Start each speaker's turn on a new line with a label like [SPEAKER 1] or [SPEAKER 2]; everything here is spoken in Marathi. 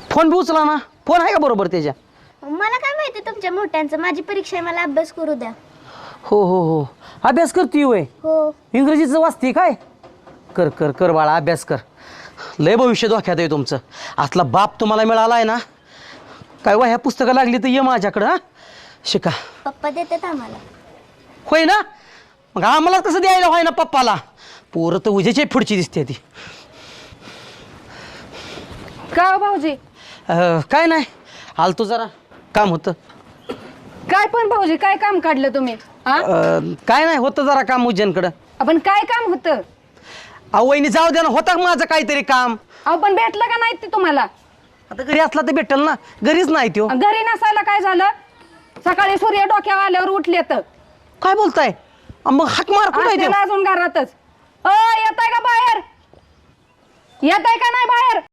[SPEAKER 1] फोन बी उचला ना. फोन आहे का बरोबर त्याच्या?
[SPEAKER 2] मला काय माहिती तुमच्या मोठ्यांचं, माझी परीक्षा आहे, मला अभ्यास करू द्या.
[SPEAKER 1] हो हो हो, अभ्यास करती होय?
[SPEAKER 2] हो.
[SPEAKER 1] इंग्रजीचं वाचते काय? कर कर कर बाळा, अभ्यास कर. लय भविष्य धोक्यात आहे तुमचं. असला बाप तुम्हाला मिळाला आहे ना, काय ह्या पुस्तकं लागली तर ये माझ्याकडं. हा, शिका.
[SPEAKER 2] पप्पा देतात आम्हाला.
[SPEAKER 1] होय ना, मग आम्हाला कसं द्यायला होय ना पप्पाला. पोरं तर उजेची पुढची दिसते ती.
[SPEAKER 3] का हो भाऊजी?
[SPEAKER 1] काय नाही, आलतो जरा काम होतं.
[SPEAKER 3] काय पण भाऊजी, काय काम काढलं तुम्ही?
[SPEAKER 1] काय नाही, होतं जरा काम उज्जैनकडं.
[SPEAKER 3] आपण काय काम होतं?
[SPEAKER 1] अहो वहिनी जाऊ द्या ना, होता माझं काहीतरी काम.
[SPEAKER 3] अहो पण भेटलं का नाही ते तुम्हाला?
[SPEAKER 1] आता घरी असला तर भेटेल ना, घरीच नाही त्यो.
[SPEAKER 3] घरी नसायला काय झालं? सकाळी सूर्य डोक्यावर आल्यावर उठले तर
[SPEAKER 1] काय बोलताय? मग हाक मार कुठे
[SPEAKER 3] अजून घरातच. येताय का बाहेर? येताय का नाही बाहेर?